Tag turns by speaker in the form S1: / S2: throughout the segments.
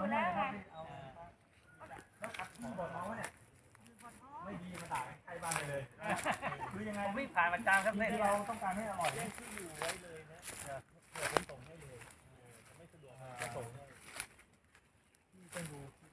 S1: อยู่แล้วไง
S2: แล้วขัดที่บอกน้องว่าเนี่ยไม่ดีมาด่าใครบ้านเลยคือยังไง
S3: ผมวิ่งผ่านประจำครับเนี่ย
S2: เราต้องการให้อร่อยเนี่ย
S3: ที่อยู่ไว้เลยนะเผื่อผมส่งให้เลยไม่สะดวกจะส่งให้ที่ต้องดู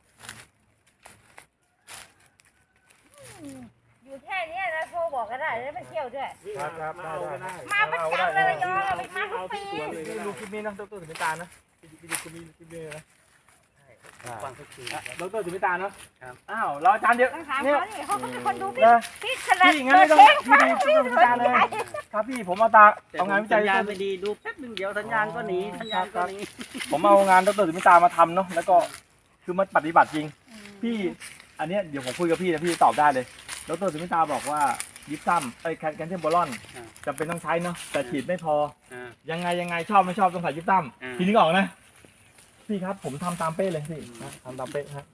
S1: อยู่แค่นี้นะโทรบอกก็ได้แล้วไปเที่ยวด้วย
S2: ครับได้
S1: มาประจำเลยระยองเราไปมาทุกปี
S2: ดูคลิปนี้นะดรสุมิตานะไปดูคลิปนี้นะ
S3: ฟังทุกที
S2: ดรสุมิตาเนาะอ้าวเราอาจารย์เดียว
S1: ต้องถามเขานี่เขาเป็นคนดูพี่ขนาด
S2: พี่งั้นไม่ต้องพี่ดูดรสุมิตาเลยครับพี่ผมเอางานวิจั
S3: สั
S2: ย
S3: ญญาณไม่ดีดูแป๊บนึงเดียวสัญญาณก็หนีสัญญาณก็หนี
S2: ผมเอางานดรสุมิตามาทำเนาะแล้วก็คือมาปฏิบัติจริงพี่อันเนี้ยเดี๋ยวผมคุยกับพี่นะพี่ตอบได้เลยดรสุมิตาบอกว่ายิปซัมแคลเซียมโบรอนจำเป็นต้องใช้เนาะแต่ฉีดไม่พอยังไงชอบไม่ชอบต้องใส่ยิปซัมพี่นึกออกนะพี่ครับผมทำตามเป๊ะเลยพี่ทำตามเป๊ะฮะ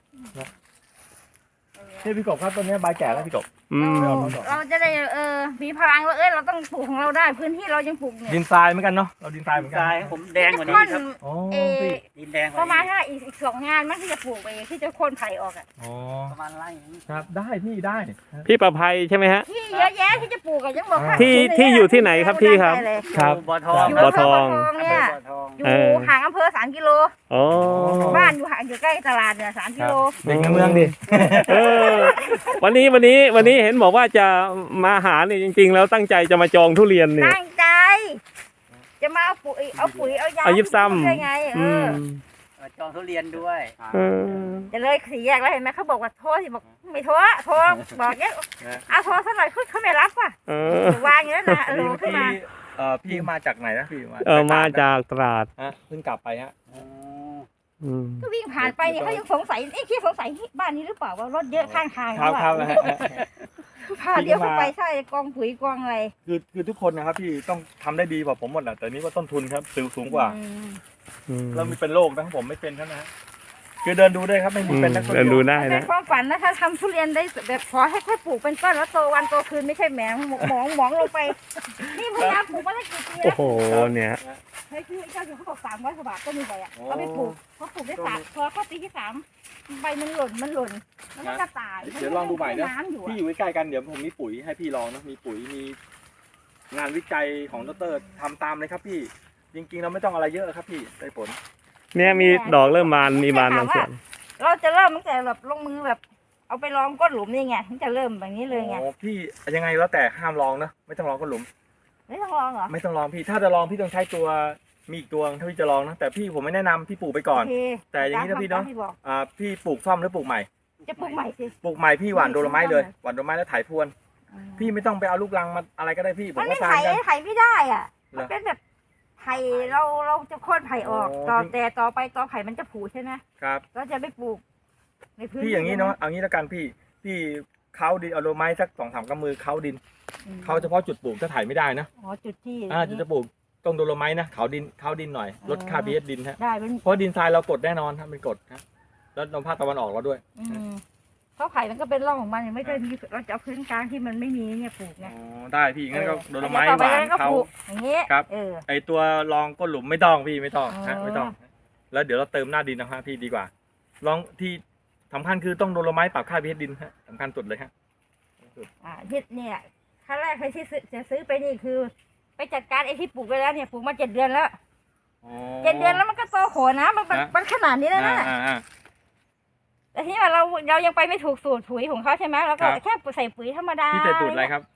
S2: พี่กบครับตัวนี้ใบแก่แล้วพี่กบ
S1: เราจะได้มีพลังว่าเราต้องปลูกของเราได้พื้นที่เรายังปลูกเนี่ย
S2: ดินทรายเหมือนกันเนาะเราดินทรายเหมือนกัน
S3: ทรายผมแดงกว่านี้ครับดินแดง
S1: ประมาณถ้าอีก2 งานมันที่จะปลูกไปที่จะโค่นไผ่ออกอ่ะ
S3: ประมาณไร่
S2: ครับได้พี่ได้
S4: พี่ประภัยใช่ไหมฮะ
S1: ที่เยอะแยะที่จะปลูกอะยังบอก
S4: ที่อยู่ที่ไหนครับพี่ครับ
S2: ครับ
S3: บ่อทอง
S1: อยู่
S4: บ่อ
S1: อำเภ
S4: ท
S1: อ
S4: อ
S1: บ่อง ทองเนี่ยอยู่ห่างอำเภอ3 กิโล
S4: อ๋อ
S1: บ้านอยู่ใกล้ตลาดเนี่ย3 กิโล
S2: เด็กในเมืองดิ
S4: เออวันนี้เห็นบอกว่าจะมาหาเนี่ยจริงๆ แล้วตั้งใจจะมาจองทุเรียนเนี่ย
S1: ตั้งใจ จะมาเอาปุ๋ยเอายา
S4: เอายิบซ้ำ
S1: ได้ไง
S3: จองทุเรียนด้วย
S1: จะเลย4 แยกแล้วเห็นไหมเขาบอกว่าโทรสิบอกไม่โทรบอกเนี้ยเอาโทรสักหน่อยเขาไม่รับว่ะวางอย่างนั้นนะโลขึ้นมา
S2: พี่มาจากไหนนะพี่
S4: มาจากตราด
S2: ฮะเพิ่งกลับไปฮะ
S1: ก็วิ่งผ่านไปเนี่ยเขายังสงสัยคิดสงสัยบ้านนี้หรือเปล่าว่ารถเยอะข้างทาง
S2: ครับนะฮะ
S1: พาเลี้ยวเข้าไปใช่กองปุ๋ยกองอะไร
S2: คือทุกคนนะครับพี่ต้องทำได้ดีกว่าผมหมดแหละแต่นี้ว่าต้นทุนครับสูงกว่าเรามีเป็นโรคนะผมไม่เป็นเท่านั้นคือเดินดูได้ครับไม่มีเป็นนัก
S4: เดินดูได้
S1: เป็
S4: นะ
S1: นความฝันนะถ้าทำทุเรียนได้แบบขอให้ค่อยปลูกเป็นต้นแล้วโตวันโตคืนไม่ใช่แหมหมองลงไปนี่พยายามปลูกมาตั้งกี่ปี
S4: โอ้
S1: แล้ว
S4: โหเนี่ย
S1: เฮ้ยคือเจ้าอยู่เขาบอก300 กว่าบาทก็มีใบอ่ะเขาไปปลูกเขาปลูกได้3พอเข้าปีที่ 3ใบมันหล่นแล้วมันก็ตาย
S2: เดี๋ยวลองดูใหม่นะ
S1: น้ำอยู่
S2: พี่อยู่ใกล้ๆกันเดี๋ยวผมมีปุ๋ยให้พี่ลองนะมีปุ๋ยมีงานวิจัยของดรทำตามเลยครับพี่จริงๆเราไม่ต้องอะไรเยอะครับพี่ได้ผล
S4: เนี่ยมีดอกเริ่มมีบานบางส่วน
S1: เราจะเริ่มตั้งแต่แบบลงมือแบบเอาไปลองก้นหลุมนี่ไงถึงจะเริ่มแบบนี้เลยไง
S2: โอ้พี่ยังไงแล้วแต่ห้ามลองนะไม่ต้องลองก้นหลุม
S1: ไม่ต้องลองเหรอ
S2: ไม่ต้องลองพี่ถ้าจะลองพี่ต้องใช้ตัวมีอีกตัวถ้าพี่จะลองนะแต่พี่ผมไม่แนะนำพี่ปลูกไปก่อน
S1: โอเค
S2: แต่อย่างนี้นะพี่เนาะ
S1: ที่บอก
S2: พี่ปลูกซ่อมหรือปลูกใหม่
S1: จะปลูกใหม่สิ
S2: ปลูกใหม่พี่หว่านโดโลไม้เลยหว่านโดโลไม้แล้วถ่ายพรวน พี่ไม่ต้องไปเอาลูกรังมาอะไรก็ได้พี่ผม
S1: มัน
S2: ก็
S1: ไม่
S2: ทา
S1: ไผ่
S2: นกัน
S1: ไผ่ไม่ได้อ่ะ
S2: เหรอ
S1: มันเป็นแบบไผ่เราจะโค่นไผ่ออก
S2: อ๋อ
S1: แต่ต่อไปต่อไผ่มันจะผูใช่ไหม
S2: ครับ
S1: ก็จะไปปลูกในพื้น
S2: พี่อย่างนี้เนาะเอางี้แล้วกันพี่เขาดินเอาโดโลไม้สัก2-3 กำมือเขาดินเขาเฉพาะจุดปลูกถ้าถ่ายไม่ได้นะ
S1: อ๋อจุดที่
S2: จุดจะปลูกต้องโดโลไม้นะเขาดินหน่อยลดค่า pH ดินฮะ
S1: ได้เป็น
S2: เพราะดินทรายเรากดแน่นอนครับเป็นกดครับแล้วลมภาคตะวันออกเราด้วย
S1: เพราะไผ่มันก็เป็นร่องของมันไม่ได้มีเราจะเอาพื้นกลางที่มันไม่มีเนี่ยปลูกไง
S2: ได้พี่งั้นก็โดโลไม้
S1: ต่อ
S2: ห
S1: ไป
S2: วาน
S1: ก็
S2: เขา
S1: ปลูกอย่างนี้
S2: ครับ
S1: เออ
S2: ไอตัวรองก้นหลุมไม่ต้องพี่ไม่ต้อง
S1: อ๋อ
S2: ฮะไม่ต้อง แล้วเดี๋ยวเราเติมหน้าดินนะฮะพี่ดีกว่าลองที่สำคัญคือต้องโดโลไม้ปรับค่า pH ดินฮะสำคัญสุดเลยฮะ
S1: ที่เนี่ยขั้นแรกใครที่จะซื้อไปนี่คือ ไปจัดการไอ้ที่ปลูกไปแล้วเนี่ยปลูกมา7 เดือนแล้ว7 เดือนแล้วมันก็โตโขนะมันขนาดนี้แล้วนะแต่ที่ว่าเรายังไปไม่ถูกสูตรปุ๋ยของเขาใช่ไหมเราก็แค่ใส่ปุ๋ยธรรมดา
S2: พี่ใส่สูตรอะไรครับ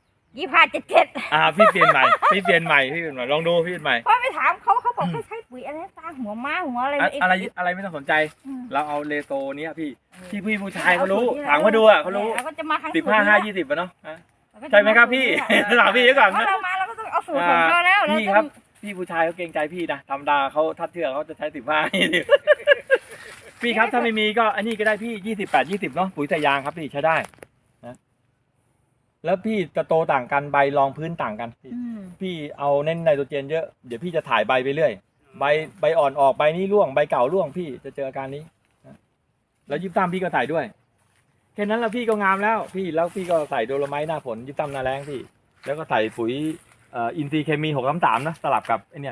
S1: 25 77
S2: พี่เปลี่ยนใหม่ลองดูพี่เปลี่ยนใหม่
S1: เพราะไปถามเขาบอกให้ใช้ปุ๋ยอะไรตาหัวม้าหัวอะไร
S2: อะไรไม่ต้องสนใจ เราเอาเลโซเนี้ยพี่ผู้ชายเขารู้ถามเขาดูอ่ะเขารู้
S1: เราก็จะมาครั้ง
S2: 15-5-20เนาะใช่ไหมครับพี่ถามพี่เยอะก่อน
S1: เพราะเรามาเราก็ต้องเอาสูตรของเขาแล้ว
S2: พี่ครับพี่ผู้ชายเขาเกรงใจพี่นะธรรมดาเขาทัดเทือกเขาจะใช้15พี่ครับถ้าไม่มีก็อันนี้ก็ได้พี่28-20เนาะปุ๋ยใส่ยางครับพี่ใช้ได้นะแล้วพี่จะโตต่างกันใบรองพื้นต่างกันพี่เอาเน้นไนโตรเจนเยอะเดี๋ยวพี่จะถ่ายใบไปเรื่อยใบอ่อนออกใบนี้ร่วงใบเก่าร่วงพี่จะเจออาการนี้แล้วยิบซ้ำพี่ก็ใส่ด้วยแค่นั้นแล้วพี่ก็งามแล้วพี่ก็ใส่โดโลไม้หน้าฝนยิบซ้ำหน้าแรงพี่แล้วก็ใส่ปุ๋ยอินทรีย์เคมี633นะสลับกับไอเนี่ยพี่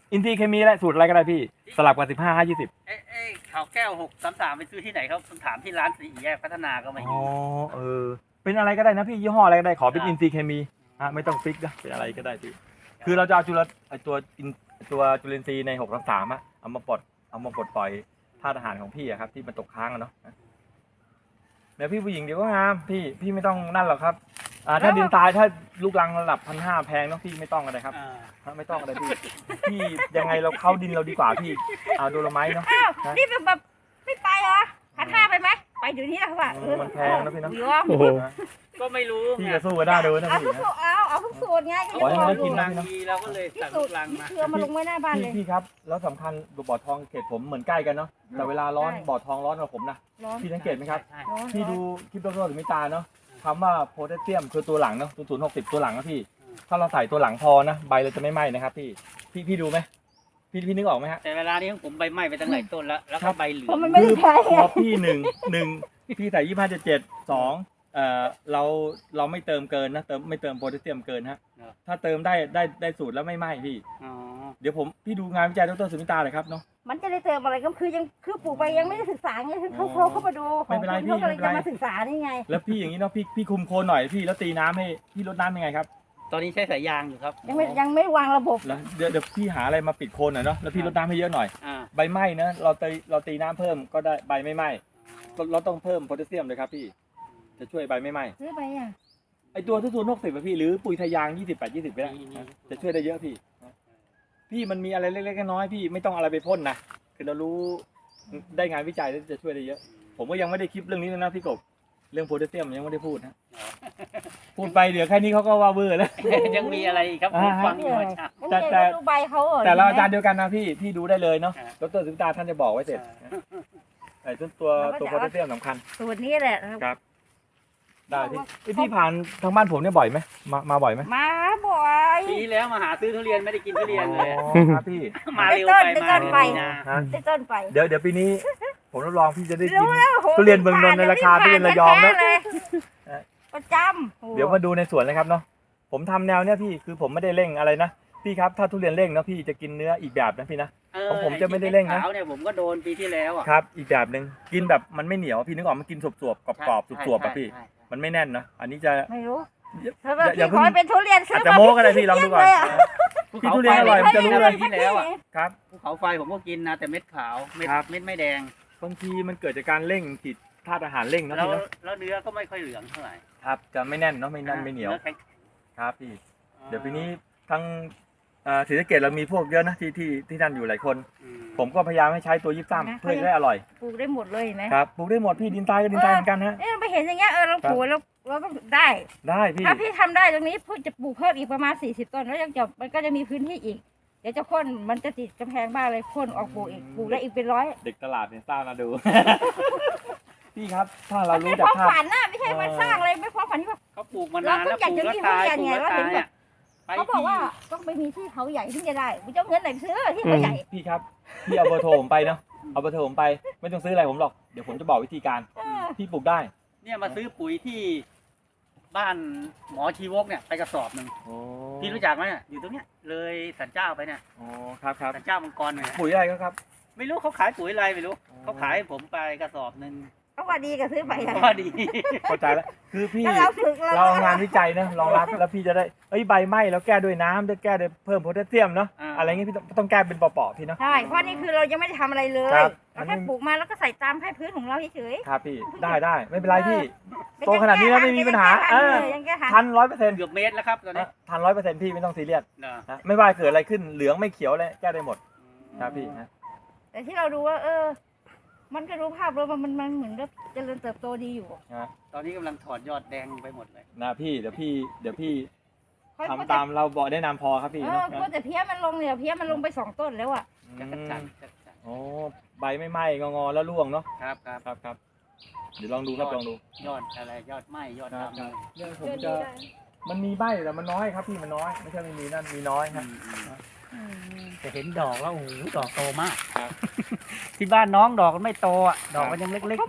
S2: อินทรีย์เคมีและสูตรอะไรก็ได้พี่สลับกับ15 5 20
S3: ข่าวแก้ว633ไปซื้อที่ไหนครับผมถามที่ร้านสี่แยกพัฒนาก็ไม่
S2: อ๋
S3: มี
S2: อเป็นอะไรก็ได้นะพี่ยี่ห้ออะไรก็ได้ขอเป็นอินทรีย์เคมีไม่ต้องฟิกนะเป็นอะไรก็ได้พี่คือเราจะเอาตัวจุลินทรีย์ใน633เอามาปลดปล่อยธาตุอาหารของพี่ครับที่มันตกค้างเนาะเดี๋ยวพี่ผู้หญิงเดี๋ยวก็งามพี่ไม่ต้องนั่นหรอกครับถ้าดินตายถ้าลูกรังระดับ1,500แพงเนาะพี่ไม่ต้องอะไรครับไม่ต้องอะไรพี่ยังไงเราเข้าดินเราดีกว่าพี่เอาโดโลไมต์เนาะ
S1: อ้าวนี่แบบไม่ไปเหรอ1,500ไปไหมไปเดี๋ยวนี้แล้วว่า
S2: มันแพงนะพี่เนาะ
S4: โอ้โห
S3: ก็ไม่รู้
S2: พี่จะสู้ก็ได้ดูนะ
S1: เอา
S2: พี่
S1: ทุกสูตรเอาทุกสูตรไงก็
S2: ขอให้
S1: จะ
S2: มัน
S1: บ
S2: ได้
S1: อก
S2: กิน
S1: อยู่
S2: นะ
S3: ดีเราก็เลย
S1: ที่
S3: สั่ง
S1: สู
S3: ลู
S1: ตร
S3: กลังมา
S1: เกลือมาลงไว้หน้าบ้านเลย
S2: พี่ครับแล้วสำคัญบ่อทองเขตผมเหมือนใกล้กันเนาะแต่เวลาร้อนบ่อทองร้อนกว่าผมนะ
S1: ร้อน
S2: พี่สังเกตไหมครับ
S3: ใช่
S1: ร้อน
S2: พี่ดูคลิปดร.สุมิตาเนาะคำว่าโพแทสเซียมคือตัวหลังเนาะ060ตัวหลังนะพี่ถ้าเราใส่ตัวหลังพอนะใบเราจะไม่ไหม้นะครับพี่ดูไหมพี่นึกออกไหมฮะ
S3: แต่เวลานี้ของผมใบไหม้ไปตั้งหลายต้นแล้วก็ใบเหลือ
S1: เพราะ
S3: ง
S1: มันไม่ได้ใช้
S2: พอพี่หนึ่งพี่ใส่25.7 2เราไม่เติมเกินนะไม่เติมโพแทสเซียมเกินฮะถ้าเติมได้สูตรแล้วไม่ไหม้พี่
S3: อ๋อ
S2: เดี๋ยวพี่ดูงานวิจัยดร.สุมิตาเลยครับเนาะ
S1: มันจะได้เติมอะไรก็คือปลูกไปยังไม่ได้ศึกษาไงคือเขาเข้ามาดู
S2: ไม่เป็นไร
S1: ของคุณ
S2: พี่
S1: เขาก็เลย
S2: ไม่เป็นไร
S1: จะมาศึกษานี่ไง
S2: แล้วพี่อย่างนี้เนาะพี่คุมโคนหน่อยพี่แล้วตีน้ำให้พี่ลดน้ำยังไงครับ
S3: ตอนนี้ใช้สายยางอยู่ครับ
S1: ยังไม่วางระบบ
S2: แล้วเดี๋ยวพี่หาอะไรมาปิดโคนหน่อยเนาะแล้วพี่ลดน้ำให้เยอะหน่อย
S3: อ่า
S2: ใบไหม้นะเราตีน้ำเพิ่มก็ได้ใบไม่ไหม้เราต้องเพิ่มโพแทสเซียมเลยครับพี่จะช่วยใบไม่ไหม้
S1: ซื้อไปอ่ะ
S2: ไอตัว60อะพี่หรือปุ๋ยทะยาง28-20ก็ได้นะจะช่วยได้เยอะพี่มันมีอะไรเล็กๆน้อยๆพี่ไม่ต้องอะไรไปพ่นนะคือเรารู้ได้งานวิจัยแล้วจะช่วยได้เยอะ ผมก็ยังไม่ได้คลิปเรื่องนี้เลยนะพี่กบเรื่องโพแทสเซียมยังไม่ได้พูดนะพูดไปเดี๋ยวแค่นี้เขาก็ว่าเบื่อแล้ว
S3: ยังมีอะไรอีกครับผมฟังอยู่เมื่อเช้า
S2: แต่
S1: ดูใบเขาเหรอ
S2: แต่เราอาจารย์เดียวกันนะพี่ดูได้เลยเนาะ
S3: อ่า
S2: ดร.สุมิตาท่านจะบอกไว้เสร็จไอ้ตัวโพแทสเซียมสำคัญ
S1: สูตรนี้แหละ
S2: ครับ ได้พี่ผ่านทางบ้านผมเนี่ยบ่อยไหมมาบ่อยไหม
S1: มาบ่อย
S3: ปีที่แล้วมาหาซื้อทุเรียนไม่ได้กินทุเรียนเลย
S2: อ๋อครับพี่
S3: มาเร็วไปมาเร็วไปนะ
S2: ฮะ
S1: ได้ต้นไป
S2: เดี๋ยวปีนี้ ผมรับรองพี่จะได้กิน
S1: รู้แล้วโห
S2: ทุเรียนเมืองนนท์ในราคาทุเรียนระยองนะ
S1: แท้เลยประจำ
S2: เดี๋ยวมาดูในสวนเลยครับเนาะผมทำแนวเนี้ยพี่คือผมไม่ได้เร่งอะไรนะพี่ครับถ้าทุเรียนเร่งนะพี่จะกินเนื้ออีกแบบนะพี่นะ ของผมจะไม่ได้เร่งนะ
S3: ขาวเนี่ยผมก็โดนปีที่แล้วอ่ะ
S2: ครับอีกแบบหนึ่งกินแบบมันไม่เหนียวพี่นึกออกมันกินสวบๆกรอบๆสวบๆอะพี่
S3: ใช่
S2: มันไม่แน่นนะอันนี้จะ
S1: ไม่รู้
S2: อย่า
S1: ขอให้เป็นทุเรียนซื้
S2: อา
S1: อ
S2: จจะโม้ก็ได้พี่ลองดูก่อน พี่ทุเรียนอร่อยมันจะรู้เลย
S3: ปีที่แล้วอ่ะ
S2: ครับ
S3: ภูเขาไฟผมก็กินนะแต่เม็ดขาวเม็ด
S2: ครับ
S3: เม็ดไม่แดง
S2: บางทีมันเกิดจากการเร่งผิดธาตุอาหารเร่งนะ
S3: แล้ว
S2: พี่เนาะ
S3: แล้วเนื้อก็ไม่ค่อยเหลืองเท่าไหร่
S2: ครับจะไม่แน่นเนาะไม่แน่นไม่เหนียว
S3: อแข็ง
S2: ครับพี่เดี๋ยวปีนี้ทั้งศรีสะเกษเรามีพวกเยอะนะที่นั่นอยู่หลายคน
S3: อืม
S2: ผมก็พยายามให้ใช้ตัวยิบซ้ำเพื่อจะได้อร่อย
S1: ปลูกได้หมดเลยเห็นไหม
S2: ครับปลูกได้หมดพี่ดินทรายก็ดินทรายเหมือนกันฮะ
S1: ไปเห็นอย่างเงี้ยเราปลูกเราก็ได้
S2: ได้พี่
S1: ถ้าพี่ทำได้ตรงนี้พี่จะปลูกเพิ่มอีกประมาณ40ต้นแล้วยังจะมันก็จะมีพื้นที่อีก เดี๋ยวจะโค่นมันจะติดกำแพงบ้านเลยโค่นออกปลูกอีกปลูกได้อีกเป็นร้อย
S2: เด็กตลาดเนี่ยสร้างมาดู พี่ครับถ้าเรา
S1: มัน
S2: รู้
S1: ไม่
S2: จาก
S1: ความ
S2: ธาตุ
S1: ฝันนะไม่ใช่มาสร้างเลยไม่ความฝันที่ว่า
S3: เขาปลูกมานานแล้ว
S1: เรา
S3: ป
S1: ก็
S3: ลูก
S1: อยากจะ
S3: แล้ว
S1: กิน
S3: ตาย
S1: ทุ
S3: ปลู
S1: เรียนไงว่าเห็นแบบเขาบอก
S3: กแล้วตายไปที่
S1: ว่าต้องไปมีที่เขาใหญ่ถึงจะได้กูจะเอาเงินไหนไปซื้อที่เขาใหญ่
S2: พี่ครับพี่เอาเบอร์โทรผมไปเนาะเอาเบอร์โทรผมไปไม่ต้องซื้ออะไรผมหรอกเดี๋ยวผมจะบอกวิธีการ
S1: เออ
S2: พี่ปลูกได้
S3: เนี่ยมาซื้อปุ๋ยที่บ้านหมอชีวกเนี่ยไปกระสอบหนึ่ง
S2: โอ้
S3: พี่รู้จักไหมเนี่ยอยู่ตรงเนี้ยเลยสันเจ้าไปเนี่ย
S2: อ๋อครับครับ
S3: สันเจ้ามังกรเนี่ย
S2: ปุ๋ยอะไรก็ครับ
S3: ไม่รู้เขาขายปุ๋ยอะไรไม่รู้
S2: อ๋อ
S3: เขาขายให้ผมไปกระสอบหนึ่ง
S1: เขาว่าดีก็ซื้อไปอะ
S3: ก็ดี
S2: เข้าใจแล้วคือพี่
S1: ถ้าเราฝึก
S2: เราเอางานวิจัยนะรองรับแล้วพี่จะได้ใบไหม้แล้วแก้ด้วยน้ำด้วยแก้ด้วยเพิ่มโพแทสเซียมเนาะ
S3: อ่า
S2: อะไรเงี้ยพี่ต้องแก้เป็นเปาะๆพี่เนาะ
S1: ใช่เพราะนี่คือเรายังไม่ได้ทำอะไรเลย
S2: ครับ
S1: เราแค่ปลูกมาแล้วก็ใส่ตามให้พื้นของเราเฉย
S2: ครับพี่ได้ไม่เป็นไรพี่
S1: ๆ
S2: โตขนาดนี้แล้วไม่มีปัญหา
S1: ยังแก้ทัน
S2: ทัน100%
S3: เกือบเมตรแล้วครับตอนนี้
S2: ทัน100%พี่ไม่ต้องซีเรียส
S3: นะ
S2: นะไม่ว่าเกิดอะไรขึ้นเหลืองไม่เขียวเลยแก้ได้หมดครับพี่นะ
S1: แต่ที่เราดูว่า มันก็รู้ภาพรวมว่ามันเหมือนกับเจริญเติบโตดีอยู่
S3: ตอนนี้กำลังถอดยอดแดงไปหมดเลย
S2: นะพี่เดี๋ยวพี่
S1: ค่อย
S2: ทำตามเราบอกแนะนำพอครับพี่
S1: เอ
S2: เนาะ
S1: อแต่เพี้ยมันลงเนี่ยเพี้ยมันลงไป2 ต้นแล้วอ่ะ
S3: จักรจันทร์จักรจันทร์
S2: โอ้ใบไม่ไหม้งอๆแล้วร่วงเนาะ
S3: ครับครับ
S2: ครับเดี๋ยวลองดูครับลองดู
S3: ยอดอะไรยอดไหมยอด
S2: ครับ
S3: ดำ
S2: เรื่องผมจะมันมีใบแต่มันน้อยครับพี่มันน้อยไม่ใช่ไม่มีนั่นมีน้อยครับ
S3: จะเห็นดอกแล้วโอ้โหดอกโตมาก
S2: ครับ
S3: ที่บ้านน้องดอกมันไม่โตอ่ะดอกมันยังเล็กๆอยู่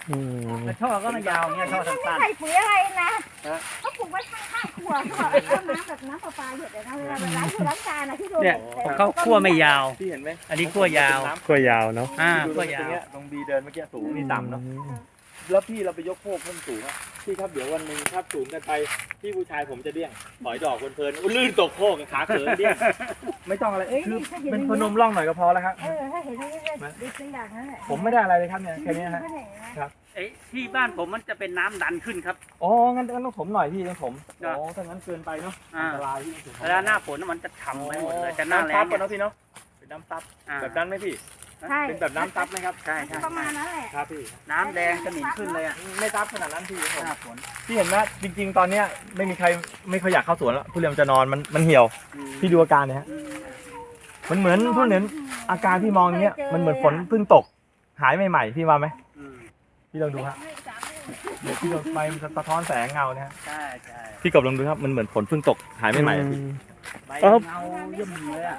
S4: อืม
S3: แต่ช่อก็ไม่ยาวเงี้ยช่อ
S1: ไม่
S3: สั้น
S1: ใส่ปุ๋ยอะไรนะเขาปลูกไว้ข้างๆครัวเขาบอกเอาน้ำแบบน้ำประปาหยดเลยนะเวลาล้างล้างจานนะที่โดน
S3: ๆเนี่ยของเขาคั่วไม่ยาว
S2: พี่เห็นไหม
S3: อันนี้คั่วยาว
S4: กล้วยยาวเนาะ
S3: คั่วยาว
S2: ตรงบีเดินเมื่อกี้สูงนี่ต่ำเนาะแล้วพี่เราไปยกโคกเพิ่มสูงอ่ะพี่ครับเดี๋ยววันหนึ่งถ้าสูงกันไปพี่ผู้ชายผมจะเดี้ยงถอยดอกเพลินๆลื่นตกโคกขาเขินเดี้ยงไม่ต้องอะไรคือเป็นพนมร่องหน่อยก็พอแล้วครับ
S1: ถ้าเห็นอย่างนี้ก็ดีขึ้นอย่างนั้นแหละ
S2: ผมไม่ได้อะไรเลยครับเนี่ยแค่นี้ฮะ
S3: ไอ้ที่บ้านผมมันจะเป็นน้ำดันขึ้นครับ
S2: อ๋องั้นต้องถมหน่อยพี่ต้องถม
S3: นะ
S2: อ๋อถ้างั้นเกินไปเนาะ
S3: อ่า
S2: อันตรายพี่ต้องถม
S3: เวลาหน้าฝนมันจะฉ่ำไปหมดเลยแต่หน้าแล้
S2: ซั
S3: ง
S2: บก่อนเนาะพี่เนาะเป็นน้ำซับ
S3: อ่า
S2: แบบนั้นไหมพี่
S1: ใช่
S2: เป็นแบบน้ำซับไหมครับ
S3: ใช่ใช่
S1: ประมาณนั้นแหละ
S2: ครับพี่
S3: น้ำแดงสนิมขึ้นเลยอ่ะ
S2: ไม่ซับขนาดนั้นพี่ผม
S3: หน้าฝน
S2: พี่เห็นไหมจริง ๆ ตอนเนี้ยไม่มีใครไม่ค่อยอยากเข้าสวนแล้วทุเรียนมันจะนอนมันเหี่ยวพี่ดูอาการเนี่ยฮะมันเหมือนทุเรียนอาการที่มองอย่างเนี้ยมันเหมือนฝนเพิ่งตกหายใหม่ๆพี่ว่าไหม
S3: อืม
S2: พี่ลองดูฮะเดี๋ยวพี่ลองไปมันจะสะท้อนแสงเงาเนี่ยฮะ
S3: ใช่ใช่
S2: พี่กบลองดูครับมันเหมือนฝนเพิ่งตกหายใหม่ๆอะพี่
S3: ใบ
S4: ครับ
S3: เงาเยิ่มเลยอ่ะ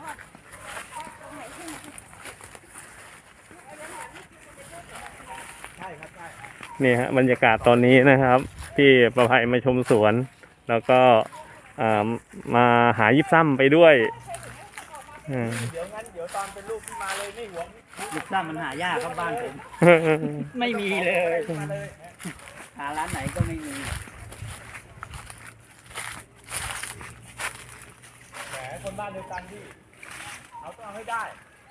S2: ใช่ครับใช่
S4: นี่ฮะบรรยากาศตอนนี้นะครับพี่ประภัยมาชมสวน แล้วก็มาหายิบซ้ำไปด้วยอืม
S2: เดี๋ยวตอนเป็นลูกพี่มาเลยไม่หวง
S3: ลูกซ้ำมันหายากครับบ้านผมไม่มีเลย
S2: มาเลย
S3: หาร้านไหนก็ไม่มี
S2: แหมคนบ้านเดียวกันพี่เอาต้องเอาให้ได้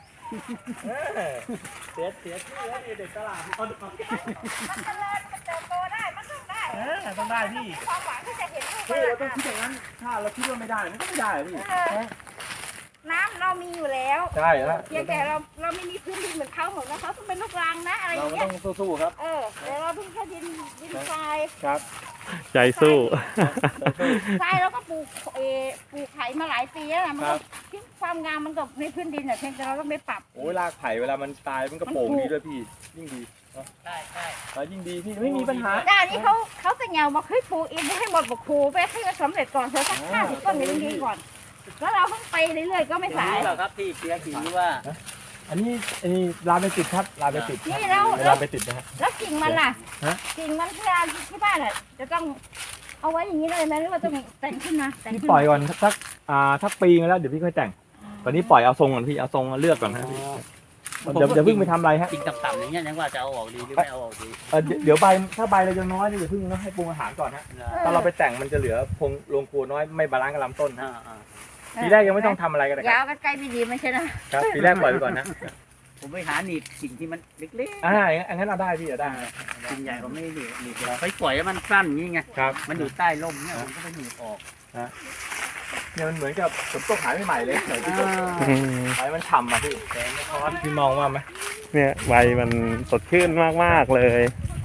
S2: เสียที่แล้วเด็กตลาดเอา
S1: มันเจริญมันเติบโตได้มันต้องได้
S2: ต้องได้พี่
S1: ความหวังที่จะเห็นลูก
S2: พี่เราต้องคิดอย่างนั้นถ้าเราคิดว่าไม่ได้มันก็ไม่ได้อะพี่
S1: น้ำเรามีอยู่แล้ว
S2: ใช่แล้ว
S1: เพียงแต่เราไม่มีพื้นดินเหมือนเขาเหมือนว่าเขาต้องเป็นลูกรังนะอะไรอ
S2: เรา
S1: ย่าง
S2: ก็
S1: เงี้ย
S2: ต้องสู้ๆครับ
S1: แต่เราเพิ่งแค่ดินทราย
S2: ครับ
S4: ใจสู้
S1: ทรายเราก็ปลูกปลูกไผ่มาหลายปีแล้วนะมัน
S2: ครั
S1: ก็
S2: บ
S1: ทิ้งความงามมันกับในพื้นดินอ่ะเพียงแต่เราต้องไปปรับ
S2: โอ้ยรากไผ่เวลามันตายมันก็โป่งดีด้วยพี่ยิ่งดีเนอะ
S3: ใช่ใช่
S2: แล้วยิ่งดีพี่ไม่มีปัญหา
S1: ด้านนี้เขาจะเหงาบอกเฮ้ยปลูกเองให้หมดบอกครูไปให้มันสำเร็จก่อนเธอสัก50 ต้นเนี่ยมันดีก่อนแล้วเราเพิ่งไปเรื่อยๆก็ไม่สาย
S3: รู้เหรอครับพี่เปียกถือว่า
S2: อันนี้ลาไปติดครับลาไปติด
S1: นี่แล้ว
S2: ลาไปติดนะฮะ
S1: แล้วกิ่งมันล่ะ
S2: ฮะ
S1: กิ่งมันที่บ้านอ่ะจะต้องเอาไว้อย่างนี้เลยไหมหรือว่าต้องแต่งขึ้นมาแต่ง
S2: พี่
S1: ขึ้น
S2: ปล่อย
S1: มา
S2: ก่อนสักปีนึงแล้วเดี๋ยวพี่ค่อยแต่ง ตอนนี้ปล่อยเอาทรงก่อนพี่เอาทรงเลือกก่อนนะพี่เดี๋ยวเพิ่งไปทำอะไรฮะ
S3: กิ่งต่ำๆอย่างเงี้ยยังว่าจะเอาออกดีหรือไม่เอาออกดี
S2: เดี๋ยวใบถ้าใบเรายังน้อยเนี่ยอย่าเพิ่งเนาะให้ปรุงอาหารก่อนฮะถ้าเราไปแต่งมันจะเหลือพงลงครัวน้อยไม่บาลานซ์กับลำต้นฮะ
S3: อ่า
S2: ปีแรกยังไม่ต้องทำอะไรกันนะค
S1: ยา
S2: รั
S1: ว
S2: บ
S1: กันไกลไม่ดีไม่ใช่นะครับ
S2: ปีแรกปล่อยไปก่อนนะ
S3: ผมไปหาหนีบกิ่งที่มันเล็ก
S2: อย่างนั้นเราได้พี่ได้
S3: ๆกิ่งใหญ่ผมไม่ได้หนีบไปปล่อยแล้วมันสั้นอย่างงี้ไง
S2: ครับ
S3: มันอยู่ใต้ร่มเนี่ยผมก็ไปหนีบออก
S2: เนี่ยมันเหมือนกับผมตกหายใหม่ๆเลยใส่ที่ตก
S4: อืม
S2: หายมันฉ่ำอ่ะพี่แสงทอดพี่มองว่าไหม
S4: เนี่ยใบมันสดชื่นมากๆเลย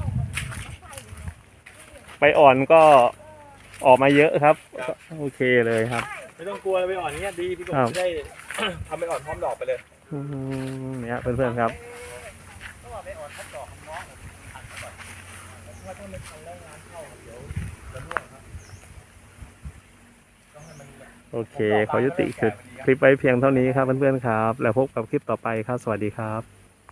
S4: ใบอ่อนก็ออกมาเยอะครับก็โอเคเลยครับ
S2: ไม่ต้องกลัวไปอ่อนเนี้ยดีพี่กบ
S4: ครับ
S2: จะได้ ทำไปอ่อนพร้อมดอกไปเลย
S4: อืมเนี่ยเพื่อนๆครับ
S2: ว่าถ้ามันทำแล้วงานเข้าเดี๋ยวจะร่วงครับต้องให้มันแบบ
S4: โอเค ขอยุติคลิปไว้เพียงเท่านี้ครับเพื่อนๆครับ แล้วพบกับคลิปต่อไปครับ สวัสดีครับ